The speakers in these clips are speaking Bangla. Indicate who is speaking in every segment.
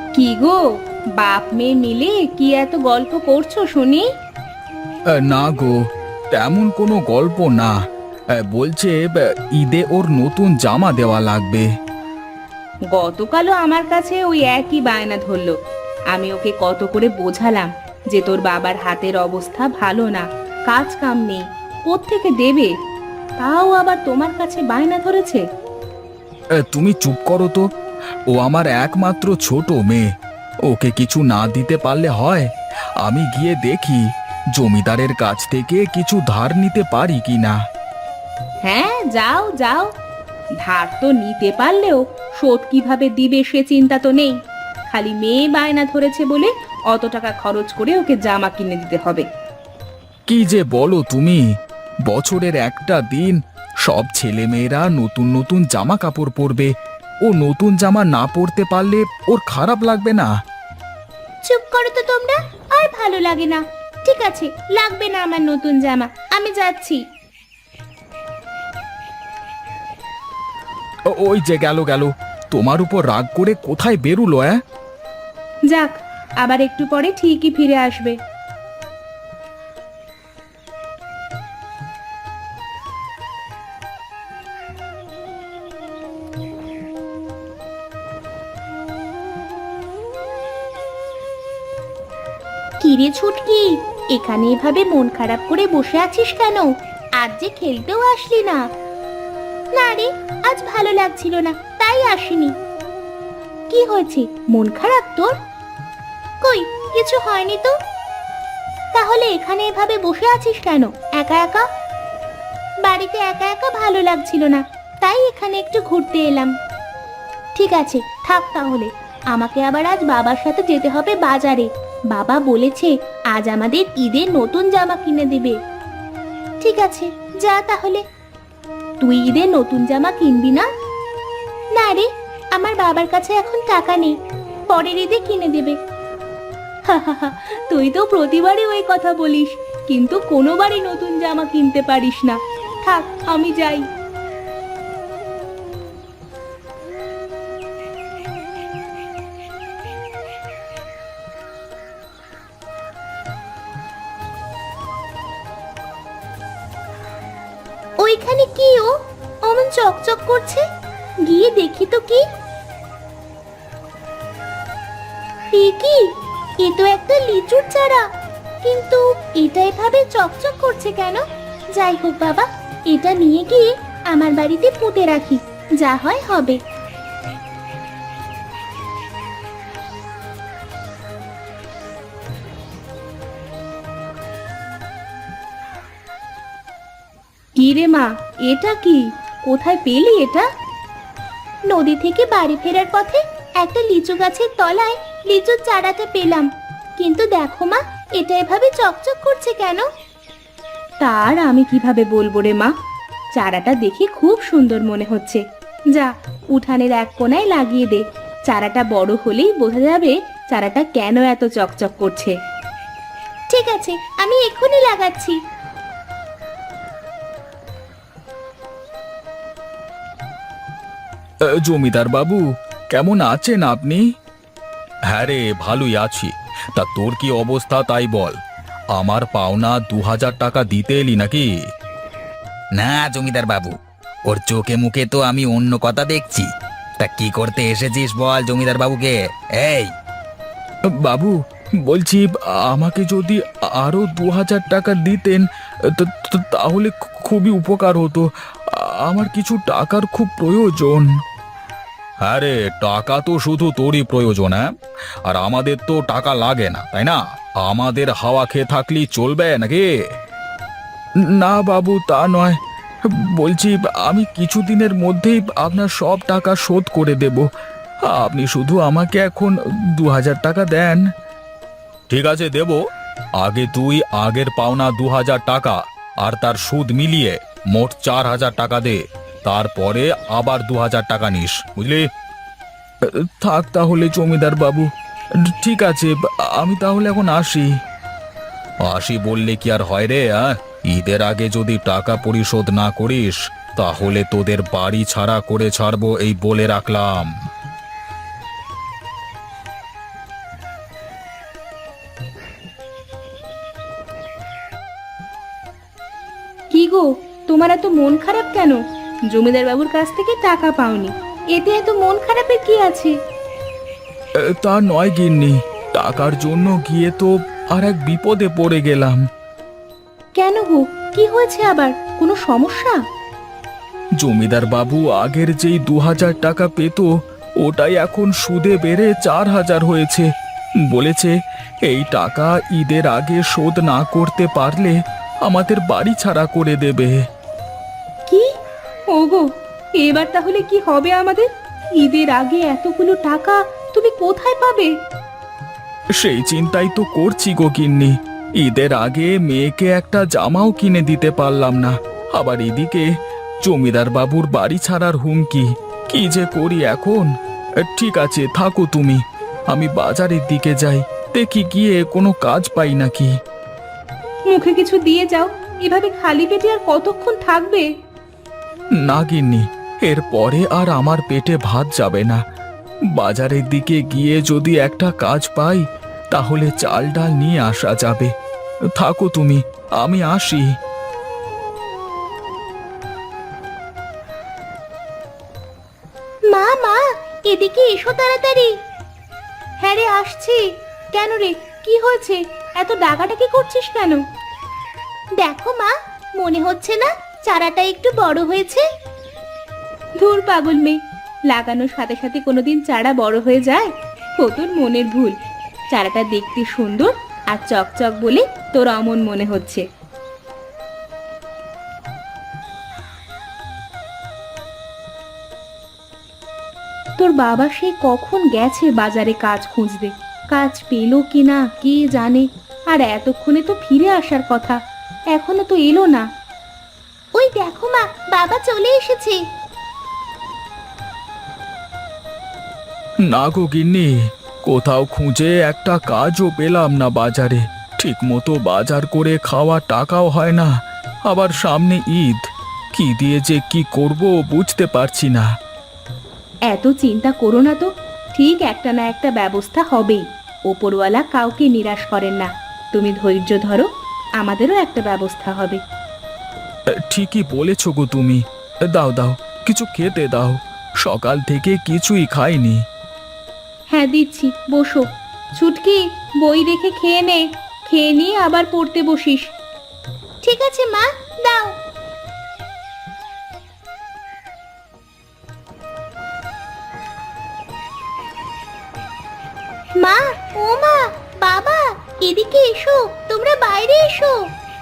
Speaker 1: কি গো, বাপ মেয়ে মিলে কি এত গল্প করছো শুনি?
Speaker 2: না গো, তেমন কোনো গল্প না। বলছে ঈদে ওর নতুন জামা দেওয়া লাগবে।
Speaker 1: গতকালও আমার কাছে ওই একই বায়না ধরলো। আমি ওকে কত করে বোঝালাম যে তোর বাবার হাতের অবস্থা ভালো না, কাজ কাম নেই, কোত্থেকে দেবে? তাও আবার তোমার কাছে বায়না ধরেছে।
Speaker 2: তুমি চুপ করো তো। ও আমার একমাত্র ছোট মেয়ে, ওকে কিছু না দিতে পারলে হয়? আমি গিয়ে দেখি জমিদারের কাছ থেকে কিছু ধার নিতে পারি কি না।
Speaker 1: হ্যাঁ, যাও যাও। ধার তো নিতে পারলেও শোধ কিভাবে দিবে সে চিন্তা তো নেই। খালি মেয়ে বায়না ধরেছে বলে অত টাকা খরচ করে ওকে জামা কিনে দিতে হবে।
Speaker 2: কি যে বলো তুমি! বছরের একটা দিন সব ছেলেমেয়েরা নতুন নতুন জামা কাপড় পরবে। ও নতুন জামা না পরতে পারলে ওর খারাপ লাগবে না?
Speaker 1: চুপ করো তো তোমরা, আর ভালো লাগে না। ঠিক আছে, লাগবে না আমার নতুন জামা, আমি যাচ্ছি।
Speaker 2: ওই যে গেল গেল, তোমার উপর রাগ করে কোথায় বেরুলো?
Speaker 1: যাক, আবার একটু পরে ঠিকই ফিরে আসবে। কিরে ছুটকি, এখানে এভাবে মন খারাপ করে বসে আছিস কেন? আজ যে খেলতেও আসলি না। না রে, আজ ভালো লাগছিল না, তাই আসিনি। কি হয়েছে, মন খারাপ তোর? কই, কিছু হয়নি তো। তাহলে এখানে এভাবে বসে আছিস কেন একা একা? বাড়িতে একা একা ভালো লাগছিল না, তাই এখানে একটু ঘুরতে এলাম। ঠিক আছে, থাক তাহলে। আমাকে আবার আজ বাবার সাথে যেতে হবে বাজারে। বাবা বলেছে আজ আমাদের ঈদের নতুন জামা কিনে দেবে। ঠিক আছে, যা তাহলে। তুই ঈদের নতুন জামা কিনবি না? না রে, আমার বাবার কাছে এখন টাকা নেই, পরের ঈদে কিনে দেবে। তুই তো প্রতিবারই ওই কথা বলিস, কিন্তু কোনোবারই নতুন জামা কিনতে পারিস না। থাক, আমি যাই। ওইখানে কি অমন চকচক করছে? গিয়ে দেখি তো কি। কি, এ তো একটা লিচুর চারা, কিন্তু এটা এভাবে চকচক করছে কেন? যাই হোক বাবা, এটা নিয়ে গিয়ে আমার বাড়িতে পুঁতে রাখি, যা হয় হবে। কি রে মা, এটা কি? কোথায় পেলি এটা? নদী থেকে বাড়ি ফেরার পথে একটা লিচু গাছের তলায় লিচুর চারাটা পেলাম। কিন্তু দেখো মা, এটা এভাবে চকচক করছে কেন? তার আমি কিভাবে বলবো রে মা, চারাটা দেখে খুব সুন্দর মনে হচ্ছে। যা, উঠানের এক কোণায় লাগিয়ে দে। চারাটা বড় হলেই বোঝা যাবে চারাটা কেন এত চকচক করছে। ঠিক আছে, আমি এক্ষুনি লাগাচ্ছি।
Speaker 2: জমিদার বাবু, কেমন আছেন আপনি? হ্যাঁ রে, ভালোই আছি। তা তোর কি অবস্থা তাই বল। আমার পাওনা 2000 টাকা দিতে এলি নাকি?
Speaker 3: না জমিদার বাবু, ওর চোখে মুখে তো আমি অন্য কথা দেখছি। তা কি করতে এসেছিস বল জমিদার বাবুকে। এই,
Speaker 2: বাবু, বলছি আমাকে যদি আরো 2000 টাকা দিতেন তাহলে খুবই উপকার হতো। আমার কিছু টাকার খুব প্রয়োজন। হ্যাঁ রে, টাকা তো শুধু তোরই প্রয়োজন, হ্যাঁ? আর আমাদের তো টাকা লাগে না, তাই না? আমাদের হাওয়া খেয়ে থাকলেই চলবে নাকি? না বাবু, তা নয়। বলছি আমি কিছুদিনের মধ্যেই আপনার সব টাকা শোধ করে দেব। আপনি শুধু আমাকে এখন 2000 টাকা দেন। ঠিক আছে, দেব। আগে তুই আগের পাওনা 2000 টাকা আর তার সুদ মিলিয়ে মোট 4000 টাকা দে। তারপরে আবার 2000 টাকা নিস, বুঝলি? থাক তাহলে জমিদার বাবু। ঠিক আছে, আমি তাহলে এখন আসি। আসি বললে কি আর হয় রে? ঈদের আগে যদি টাকা পরিশোধ না করিস তাহলে তোদের বাড়ি ছাড়া করে ছাড়বো, এই বলে রাখলাম।
Speaker 1: গো, তোমার এত মন খারাপ কেন? জমিদার বাবুর কাছ থেকে টাকা পাওনি, এতে এত মন খারাপের কি আছে?
Speaker 2: তা নয় গিন্নি, টাকার জন্য গিয়ে তো আর এক বিপদে পড়ে গেলাম।
Speaker 1: কেন গো, কি হয়েছে আবার? কোনো সমস্যা?
Speaker 2: জমিদার বাবু আগের যেই 2000 টাকা পেত, ওটাই এখন সুদে বেড়ে 4000 হয়েছে। বলেছে এই টাকা ঈদের আগে শোধ না করতে পারলে আমাদের বাড়ি ছাড়া করে দেবে।
Speaker 1: কি? ওগো, এবার তাহলে কি হবে আমাদের? ঈদের আগে এতগুলো টাকা তুমি কোথায় পাবে?
Speaker 2: সেই চিন্তাই তো করছি গো গিন্নি। ঈদের আগে মেয়েকে একটা জামাও কিনে দিতে পারলাম না, আবার এদিকে জমিদার বাবুর বাড়ি ছাড়ার হুমকি। কি যে করি এখন। ঠিক আছে, থাকো তুমি, আমি বাজারের দিকে যাই, দেখি গিয়ে কোনো কাজ পাই নাকি।
Speaker 1: মুখে কিছু দিয়ে যাও, এভাবে খালি পেটে আর কতক্ষণ থাকবে?
Speaker 2: না গিন্নি, এরপরে আর আমার পেটে ভাত যাবে না। বাজারের দিকে গিয়ে যদি একটা কাজ পাই তাহলে চাল ডাল নিয়ে আসা যাবে। থাকো তুমি, আমি আসি।
Speaker 1: মা মা, এদিকে এসো তাড়াতাড়ি। হ্যাঁ রে, আসছি। কেন রে, কি হয়েছে? এত ডাকাডাকি করছিস কেন? দেখো মা, মনে হচ্ছে না চারাটা একটু বড় হয়েছে? ধুর পাগল মেয়ে, লাগানোর সাথে সাথে কোনোদিন চারা বড় হয়ে যায়? ও তোর মনের ভুল। চারাটা দেখতে সুন্দর আর চকচক বলে তোর অমন মনে হচ্ছে। তোর বাবা সে কখন গেছে বাজারে কাজ খুঁজতে, কাজ পেলো কিনা কে জানে। আর এতক্ষণে তো ফিরে আসার কথা, এখনো তো এলো না। ওই দেখো মা, বাবা চলে এসেছে।
Speaker 2: না গো গিন্নি, কোথাও খুঁজে একটা কাজও পেলাম না বাজারে। ঠিক মতো বাজার করে খাওয়া টাকাও হয় না, আবার সামনে ঈদ। কি দিয়ে যে কি করব বুঝতে পারছি না।
Speaker 1: এত চিন্তা করো না তো, ঠিক একটা না একটা ব্যবস্থা হবেই। ওপরওয়ালা কাউকে নিরাশ করেন না। তুমি ধৈর্য ধরো, আমাদেরও একটা ব্যবস্থা হবে।
Speaker 2: ঠিকই বলেছ গো তুমি। দাও দাও, কিছু খেতে দাও, সকাল থেকে কিছুই খাইনি।
Speaker 1: হ্যাঁ দিচ্ছি, বসো। ছুটকি, বই রেখে খেয়ে নে, খেয়ে নিয়ে আবার পড়তে বসিস। ঠিক আছে মা, দাও। মা, ও মা, বাবা, এদিকে এসো, তোমরা বাইরে এসো।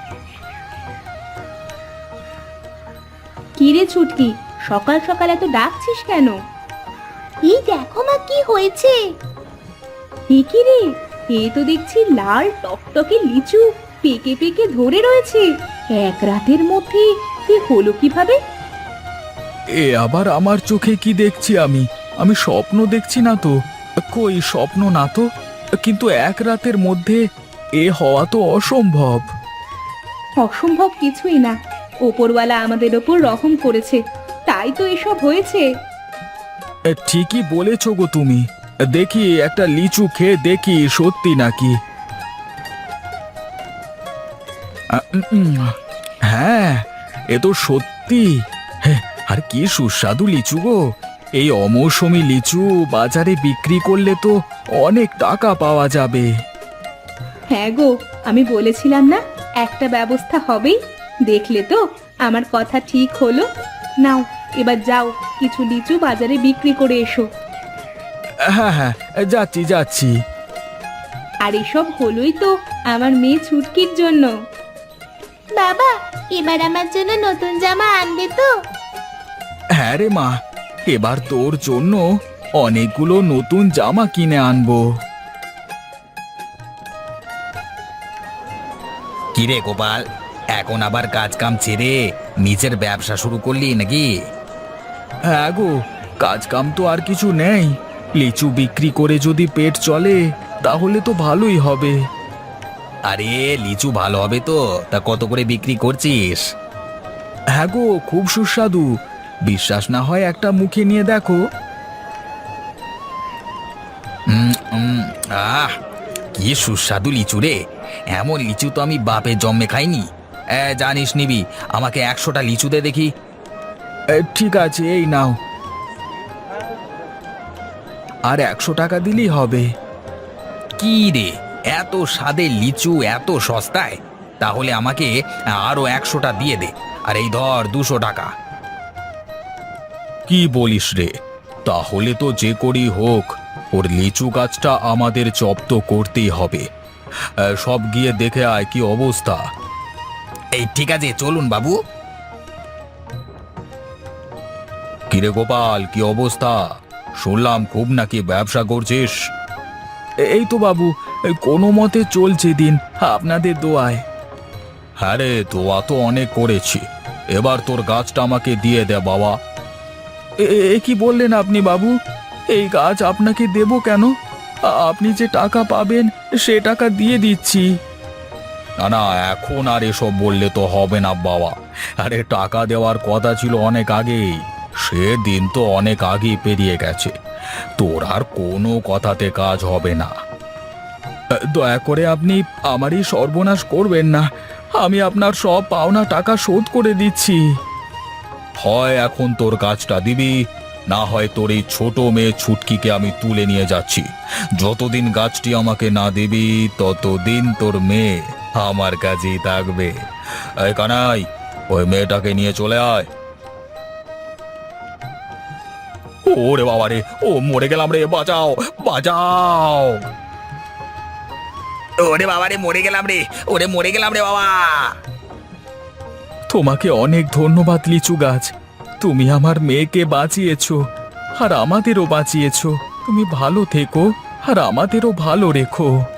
Speaker 1: কি রে ছুটকি, সকাল সকাল এত ডাকছিস কেন? এই দেখো মা, কি হয়েছে। এ কি রে, এ তো দেখছি লাল টকটকে লিচু পেকে পেকে ধরে রয়েছে। এক রাতের মধ্যে এ হলো কিভাবে?
Speaker 2: এ আবার আমার চোখে কি দেখছি আমি? আমি স্বপ্ন দেখছি না তো? কই, স্বপ্ন না তো, কিন্তু এক রাতের মধ্যে এ হওয়া তো অসম্ভব।
Speaker 1: অসম্ভব কিছুই না, ওপরওয়ালা আমাদের ওপর রহম করেছে, তাই তো এসব হয়েছে।
Speaker 2: ঠিকই বলেছ গো তুমি। দেখি একটা লিচু খেয়ে দেখি সত্যি নাকি। হ্যাঁ, এ তো সত্যি। হ্যাঁ, আর কি সুস্বাদু লিচু গো। এই অমৌসুমী লিচু বাজারে বিক্রি করলে তো অনেক টাকা পাওয়া যাবে।
Speaker 1: হ্যাঁ গো, আমি বলেছিলাম না একটা ব্যবস্থা হবেই। দেখলে তো, আমার কথা ঠিক হলো। নাও, এবার যাও, কিছু লিচু বাজারে বিক্রি করে এসো।
Speaker 2: হ্যাঁ হ্যাঁ, যাচ্ছি যাচ্ছি।
Speaker 1: আর এসব হলোই তো আমার মেয়ে ছুটকির জন্য। বাবা, এবার আমার জন্য নতুন জামা আনবে তো?
Speaker 2: হ্যাঁ রে মা, এবার তোর জন্য অনেকগুলো নতুন জামা কিনে আনবো।
Speaker 3: কিরে গোপাল, এখন আবার কাজ কাম ছেড়ে নিজের ব্যবসা শুরু করলি নাকি?
Speaker 2: হ্যাঁ গো, কাজ কাম তো আর কিছু নেই। লিচু বিক্রি করে যদি পেট চলে তাহলে তো ভালোই হবে।
Speaker 3: আরে লিচু ভালো হবে তো? তা কত করে বিক্রি করছিস?
Speaker 2: হ্যাঁ গো, খুব সুস্বাদু। বিশ্বাস না হয় একটা মুখে নিয়ে দেখো।
Speaker 3: আহ, কি সুস্বাদু লিচু রে। এমন লিচু তো আমি বাপের জন্মে খাইনি। জানিস নিবি, আমাকে 100টা লিচু দে দেখি।
Speaker 2: ঠিক আছে, এই নাও। আর 100 টাকা দিলেই হবে।
Speaker 3: কি রে, এত স্বাদের লিচু এত সস্তায়? তাহলে আমাকে আরো 100টা দিয়ে দে। আর এই ধর 200 টাকা।
Speaker 2: কি বলিস রে? তাহলে তো যে করি হোক ওর লিচু গাছটা আমাদের জব্দ করতেই হবে। সব গিয়ে দেখে আয় কি অবস্থা।
Speaker 3: এই ঠিক আছে, চলুন বাবু।
Speaker 2: কিরে গোপাল, কি অবস্থা? শুনলাম খুব নাকি ব্যবসা করছিস। এই তো বাবু, কোনো মতে চলছে দিন, আপনাদের দোয়ায়। হ্যাঁ রে, দোয়া তো অনেক করেছি। এবার তোর গাছটা আমাকে দিয়ে দে বাবা। এ কি বললেন আপনি বাবু? এই গাছ আপনাকে দেব কেন? আপনি যে টাকা পাবেন সে টাকা দিয়ে দিচ্ছি। না না, এখন আর এসব বললে তো হবে না বাবা। আরে টাকা দেওয়ার কথা ছিল অনেক আগেই। সে দিন তো অনেক আগেই পেরিয়ে গেছে। তোর আর কোনো কথাতে কাজ হবে না। দয়া করে আপনি আমারই সর্বনাশ করবেন না। আমি আপনার সব পাওনা টাকা শোধ করে দিচ্ছি। হয় এখন তোর কাজটা দিবি, না হয় তোর এই ছোট মেয়ে ছুটকিকে আমি তুলে নিয়ে যাচ্ছি। যতদিন গাছটি আমাকে না দিবি ততদিন তোর মেয়ে আমার কাছেই থাকবে। এই কানাই, ওই মেয়েটাকে নিয়ে চলে আয়। ওরে বাবা রে, ও মরে গেলাম রে, বাঁচাও বাঁচাও।
Speaker 3: ওরে বাবা রে, মরে গেলাম রে, ওরে মরে গেলাম রে বাবা।
Speaker 2: তোমাকে অনেক ধন্যবাদ লিচু গাছ। তুমি আমার মেয়েকে বাঁচিয়েছো আর আমাদেরও বাঁচিয়েছো। তুমি ভালো থেকো আর আমাদেরও ভালো রেখো।